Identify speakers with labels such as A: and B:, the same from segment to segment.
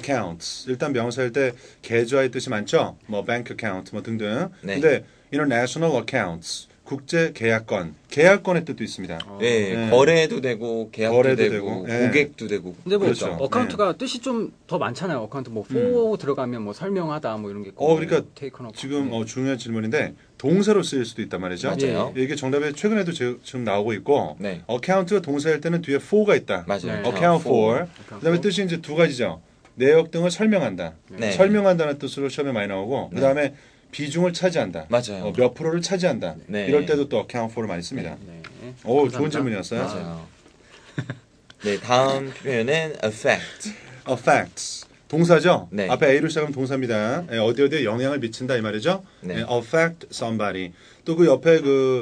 A: accounts. 일단 명사일 때 계좌의 뜻이 많죠. 뭐 bank account 뭐 등등.
B: 네.
A: 근데 international accounts. 국제 계약권. 계약권의 뜻도 있습니다.
B: 네,
A: 네.
B: 거래도 되고 계약도
A: 거래도
B: 되고
A: 되고, 네.
B: 고객도 되고.
C: 근데 뭐
A: 그렇죠.
C: 어카운트가 뜻이 좀 더 많잖아요. 어카운트 뭐 for 들어가면 뭐 설명하다 뭐 이런 게 있고.
A: 그러니까
C: take on
A: 지금
C: 네.
A: 중요한 질문인데 동사로 쓰일 수도 있단 말이죠.
B: 맞아요.
A: 이게 정답에 최근에도 지금 나오고 있고
B: 네.
A: account가 동사일 때는 뒤에 for가 있다.
B: 맞아요.
C: 네.
A: account for.
C: account
A: 그다음에
C: for.
A: 뜻이 이제 두 가지죠. 내역 등을 설명한다.
B: 네.
A: 설명한다는 뜻으로 시험에 많이 나오고
B: 네.
A: 그다음에 비중을 차지한다.
B: 맞아요.
A: 몇 프로를 차지한다.
B: 네.
A: 이럴 때도 또 account for를 많이 씁니다.
C: 네.
A: 오,
C: 감사합니다.
A: 좋은 질문이었어요.
B: 맞아요. 네, 다음 표현은 affect.
A: affects. 동사죠?
B: 네.
A: 앞에 A로 시작하면 동사입니다. 어디에 영향을 미친다 이 말이죠?
B: 네.
A: affect somebody. 또 그 옆에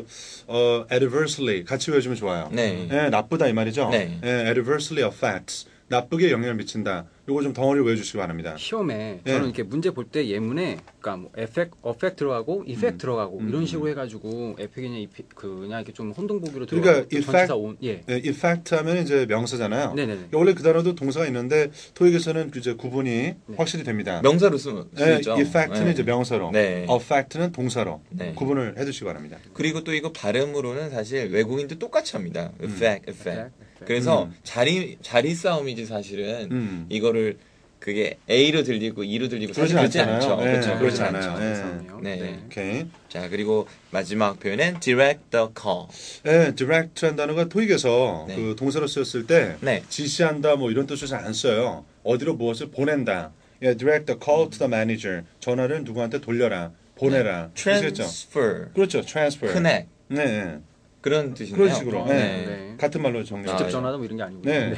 A: adversely 같이 외워주면 좋아요.
B: 네.
A: 나쁘다 이 말이죠?
B: 네.
A: adversely affects. 나쁘게 영향을 미친다. 요거 좀 덩어리 외워주시기 바랍니다.
C: 시험에
A: 네.
C: 저는 이렇게 문제 볼 때 예문에 그러니까 뭐 effect 들어가고 effect 들어가고 이런 식으로 해가지고 effec이냐 그냥 이렇게 좀 혼동보기로
A: 그러니까
C: 들어가고 전치사 온 예.
A: effect 하면 이제 명사잖아요.
C: 네네네.
A: 원래 그 단어도 동사가 있는데 토익에서는 이제 구분이 확실히 됩니다.
B: 명사로 쓰면 쓰죠.
A: effect는
B: 네.
A: 이제 명사로,
B: 네.
A: affect는 동사로
B: 네.
A: 구분을 해두시기 바랍니다.
B: 그리고 또 이거 발음으로는 사실 외국인도 똑같이 합니다. effect, effect. 그래서 자리 싸움이지 사실은 이거를 그게 A로 들리고 E로 들리고 사실
A: 그러진
B: 그렇지
A: 않잖아요.
B: 않죠.
A: 네,
B: 그렇죠.
A: 그렇지
B: 그렇지
A: 않아요.
B: 않죠.
A: 네.
B: 네.
A: 오케이.
B: 자, 그리고 마지막 표현은 direct the call.
A: direct란 단어가 토익에서
B: 네.
A: 그 동사로 쓰였을 때
B: 네.
A: 지시한다 뭐 이런 뜻을 잘 안 써요. 어디로 무엇을 보낸다. direct the call to the manager. 전화를 누구한테 돌려라, 보내라. 아시겠죠?
B: transfer,
A: 그렇죠. transfer.
B: connect
A: 네.
B: 그런 뜻이네요.
A: 그런 식으로. 네.
C: 네.
A: 같은 말로 정리.
B: 아,
C: 직접 전화다 뭐 이런 게 아니고.
A: 네.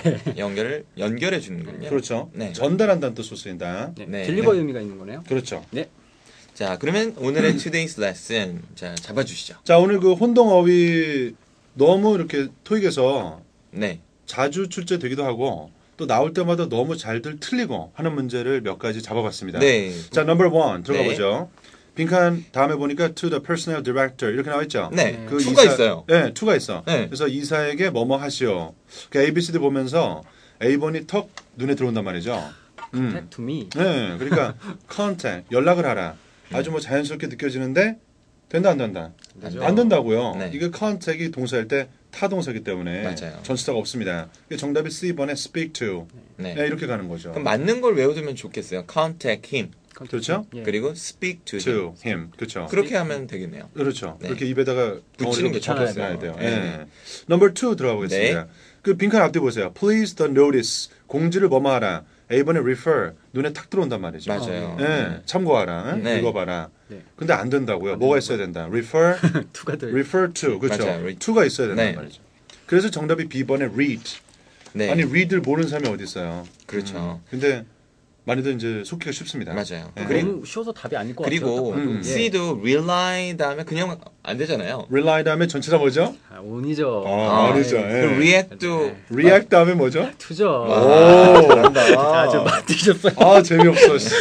B: 연결해 주는군요.
A: 그렇죠.
B: 네.
A: 전달한다는 뜻으로 쓰인다.
C: 네.
B: 네.
C: 딜리버 의미가 있는 거네요.
A: 그렇죠.
C: 네.
B: 자, 그러면 오늘의 today's lesson 자 잡아주시죠.
A: 자, 오늘 그 혼동어휘 너무 이렇게 토익에서
B: 네,
A: 자주 출제되기도 하고 또 나올 때마다 너무 잘들 틀리고 하는 문제를 몇 가지 잡아봤습니다.
B: 네,
A: 자, number one 들어가
B: 네.
A: 보죠. 빈칸 다음에 보니까 to the personnel director 이렇게 나와 있죠.
B: 네.
A: 그
B: 투가 있어요.
A: 네, to가 있어.
B: 네.
A: 그래서 이사에게 뭐뭐 하시오. 그 ABCD 보면서 A번이 턱 눈에 들어온단 말이죠.
C: Contact to me.
A: 네, 그러니까 contact 연락을 하라. 아주 뭐 자연스럽게 느껴지는데 된다 안 된다.
C: 되죠.
A: 안 된다고요.
B: 네.
A: 이게 contact이 동사일 때 타동사이기 때문에
B: 맞아요.
A: 전치사가 없습니다. 정답이 C번에 speak to.
B: 네.
A: 네, 이렇게 가는 거죠.
B: 그럼 맞는 걸 외워두면 좋겠어요. contact him
A: 그렇죠?
C: 예.
B: 그리고 speak to him.
A: to him. 그렇죠.
B: 그렇게 하면 되겠네요.
A: 그렇죠.
B: 네.
A: 그렇게 입에다가
B: 붙이는 게
A: 덩어리를
C: 좋겠어요.
A: 붙여야 돼요.
B: 네.
A: 네. 넘버 2 들어가 보겠습니다. 그 빈칸 앞뒤 보세요. Please the notice. 공지를 뭐뭐하라. A번에 refer. 눈에 탁 들어온단 말이죠.
B: 맞아요.
A: 네. 참고하라.
B: 네.
A: 읽어봐라.
C: 네.
A: 근데 안 된다고요. 뭐가 있어야 된다. refer,
C: 투가 들.
A: refer to. 그렇죠.
B: 맞아요.
A: to가 있어야 된단
B: 네.
A: 말이죠. 그래서 정답이 B번에 read.
B: 네,
A: 아니 read를 모르는 사람이 어디 있어요.
B: 그렇죠.
A: 근데 많이들 이제 속기가 쉽습니다.
B: 맞아요.
A: 네.
C: 너무 쉬워서 답이 아닐 것
B: 그리고
C: 같아요. 딱 봐도. 예.
B: C도 rely 다음에 그냥 안 되잖아요.
A: rely 다음에 전체가 뭐죠?
C: 아, 온이죠.
A: 아니죠.
C: 예.
A: 예.
B: 그 react도
A: react 다음에 뭐죠?
C: 투죠.
A: 오, 잘한다.
C: 아, 좀 맞으셨어요.
A: 아, 재미없어. 씨.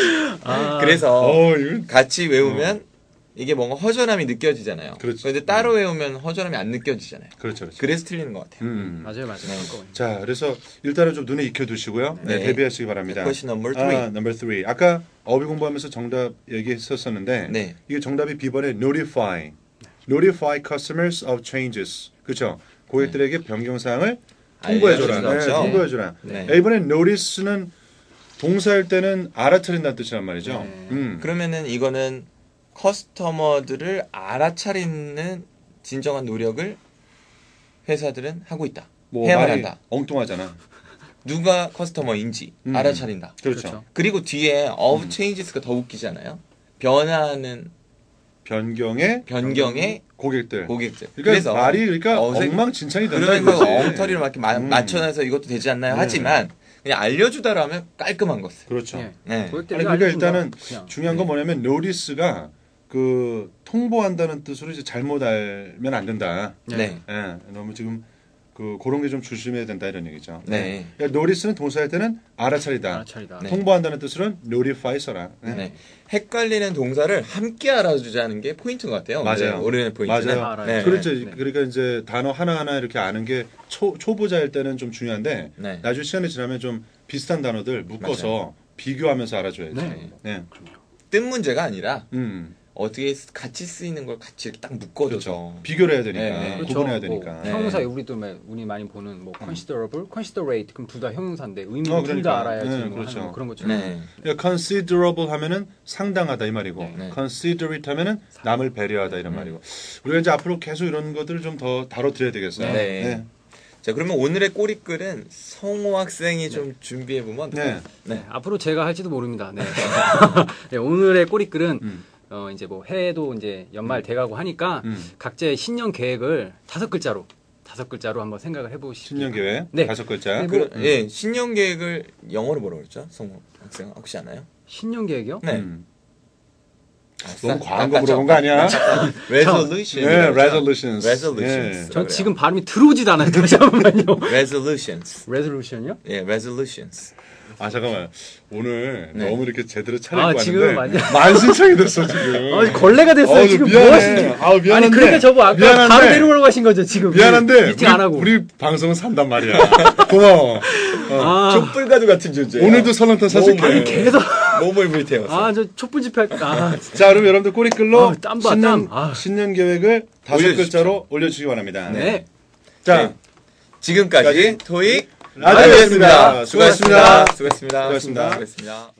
B: 그래서
A: 이거
B: 같이 외우면 이게 뭔가 허전함이 느껴지잖아요.
A: 그렇죠.
B: 근데 따로 외우면 허전함이 안 느껴지잖아요.
A: 그렇죠, 그렇죠.
B: 그래서 틀리는 것 같아요.
C: 맞아요.
A: 자, 그래서 일단은 좀 눈에 익혀두시고요. 네,
B: 네.
A: 대비하시기 바랍니다.
B: Question number 3.
A: number 3. 아까 어휘 공부하면서 정답 얘기했었었는데
B: 네.
A: 이게 정답이 B번에 notify. notify customers of changes. 그렇죠. 고객들에게 변경 사항을 통보해줘라.
B: 알려주는
A: 네,
B: 거죠.
A: 통보해줘라.
B: 네.
A: A번에 notice는 동사일 때는 알아차린다는 뜻이란 말이죠.
C: 네.
B: 그러면은 이거는 커스터머들을 알아차리는 진정한 노력을 회사들은 하고 있다.
A: 뭐
B: 해야만
A: 말이
B: 한다.
A: 엉뚱하잖아.
B: 누가 커스터머인지 알아차린다.
A: 그렇죠.
B: 그리고 뒤에 of changes가 더 웃기잖아요. 변화하는 변경의
A: 고객들.
B: 고객들.
A: 그러니까
B: 그래서
A: 말이 그러니까
B: 어색-
A: 엉망진창이 된다
B: 그러면 그
A: 이거지.
B: 엉터리를 막 이렇게 맞춰놔서 이것도 되지 않나요?
A: 네.
B: 하지만 그냥 알려주다라면 깔끔한 것을.
A: 그렇죠.
C: 예.
B: 네.
C: 고객들에게
A: 아니, 그러니까
C: 알려준다.
A: 일단은
C: 그냥.
A: 중요한 건 뭐냐면 notice가 그 통보한다는 뜻으로 이제 잘못 알면 안 된다.
B: 네.
A: 예, 너무 지금 그런 게 좀 조심해야 된다 이런 얘기죠.
B: 네.
A: 그러니까 notice는 동사할 때는 알아차리다.
C: 알아차리다.
B: 네.
A: 통보한다는 뜻으로는 notify 써라. 네.
B: 네. 헷갈리는 동사를 함께 알아주자는 게 포인트인 것 같아요.
A: 맞아요.
B: 오늘의 포인트는.
A: 맞아요.
C: 알아요.
B: 네.
A: 그렇죠.
C: 네.
A: 그러니까 이제 단어 하나하나 이렇게 아는 게 초보자일 때는 좀 중요한데
B: 네.
A: 나중에 시간이 지나면 좀 비슷한 단어들 묶어서 비교하면서 알아줘야지.
C: 네.
A: 네.
B: 뜬 문제가 아니라
A: 음.
B: 어떻게 같이 쓰이는 걸 같이 이렇게 딱 묶어줘서
A: 그렇죠. 비교를 해야 되니까.
B: 네.
C: 그렇죠.
A: 구분해야
C: 뭐
A: 되니까.
B: 네.
C: 형용사 우리도 우리 많이 보는 뭐 considerable, considerate 그럼 둘 다 형용사인데 의미는 둘
A: 그러니까.
C: 다 알아야지.
A: 네,
C: 뭐
A: 그렇죠.
C: 하는 뭐 그런 것처럼.
B: 네.
A: 그러니까 considerable 하면은 상당하다 이 말이고
B: 네.
A: considerate 하면은 남을 배려하다 이런 말이고 우리가 이제 앞으로 계속 이런 것들을 좀 더 다뤄드려야 되겠어요.
B: 네. 자, 그러면 오늘의 꼬리글은 성호 학생이 좀 준비해 보면
A: 네.
C: 네, 앞으로 제가 할지도 모릅니다. 네. 네, 오늘의 꼬리글은 이제 뭐 해도 이제 연말 돼가고 하니까 각자의 신년 계획을 5글자로 한번 생각을 해보시죠.
A: 신년 계획
C: 네.
A: 5글자.
C: 네, 뭐-
B: 예, 신년 계획을 영어로 뭐라고 그랬죠? 성호 학생 혹시 아나요?
C: 신년 계획이요?
B: 네.
A: 너무 과한 거 물어본 거 아니야?
B: resolution.
A: 네, resolutions.
B: resolutions.
C: 전 지금 발음이 들어오지도 않아요. 잠깐만요.
B: resolutions.
C: resolution이요?
B: 예, resolutions.
A: 아 잠깐만 오늘
B: 네.
A: 너무 이렇게 제대로 차리고
C: 지금
A: 왔는데 만신창이 됐어 지금.
C: 걸레가 됐어요. 지금 뭐
A: 미안해.
C: 하시는지.
A: 미안한데.
C: 아니 그러니까 저거 아까
A: 미안한데.
C: 바로 내려오라고 하신 거죠 지금.
A: 미안한데
C: 미팅 안 하고.
A: 우리 방송은 산단 말이야. 고마워.
C: 아,
B: 촛불가루 같은 존재.
A: 오늘도 설렁탕 사줄게.
B: 아니,
C: 계속.
B: 몸을 불태웠어.
C: 저 촛불 집회.
A: 자, 그럼 여러분들 꼬리글로
C: 땀 봐,
A: 신년,
C: 땀.
A: 신년 계획을 5글자로
B: 올려주십시오.
A: 올려주시기 바랍니다.
C: 네.
A: 자,
B: 네. 지금까지 토익
A: 라디오였습니다.
B: 수고하셨습니다.
A: 수고하셨습니다.
B: 수고하셨습니다.
A: 수고하셨습니다.
B: 수고하셨습니다.